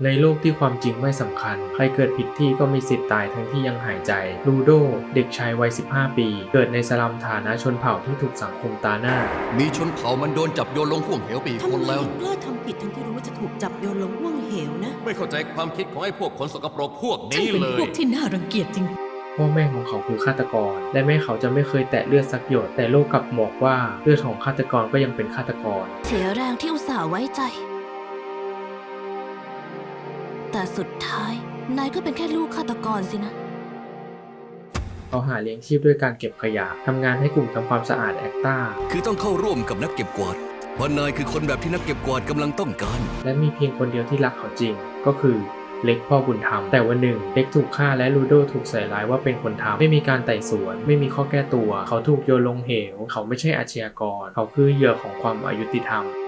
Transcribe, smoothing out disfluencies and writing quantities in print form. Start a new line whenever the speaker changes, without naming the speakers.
ในโลกที่ความจริงไม่สำคัญใครเกิดผิดที่ก็มีสิทธิ์ตายทั้งที่ยังหายใจลูโดเด็กชายวัย15 ปีเกิดในสลัมฐานะชนเผ่าที่ถูกสังคมตาหน้า
มีชนเผ่ามันโดนจับโยนลงห่วงเหวไปอีกคนแล้ว
ทำไมกล้าทำผิดทั้งที่รู้ว่าจะถูกจับโยนลงห่วงเหวนะ
ไม่เข้าใจความคิดของไอ้พวกคนสกปรกพวก
ช่าง
นี้
เป็น
เล
พวย กที่น่ารังเกียจจริง
พ่อแม่ของเขาคือฆาตกรและแม่เขาจะไม่เคยแตะเลือดสักหยดแต่โลกกลับบอกว่าเลือดของฆาตกรก็ยังเป็นฆาตกร
เสียแรงที่อุตส่าห์ไว้ใจ แต่สุดท้ายนายก็เป็นแค่ลูกฆาตกรสินะ
เขาหาเลี้ยงชีพด้วยการเก็บขยะทำงานให้กลุ่มทำความสะอาดแอคต้า
คือต้องเข้าร่วมกับนักเก็บกวาดเพราะนายคือคนแบบที่นักเก็บกวาดกำลังต้องการ
และมีเพียงคนเดียวที่รักเขาจริงก็คือเล็กพ่อบุญธรรมแต่วันหนึ่งเล็กถูกฆ่าและลูโดถูกใส่ร้ายว่าเป็นคนทำไม่มีการไต่สวนไม่มีข้อแก้ตัวเขาถูกโยนลงเหวเขาไม่ใช่อาชญากรเขาคือเหยื่อของความอยุติธรรม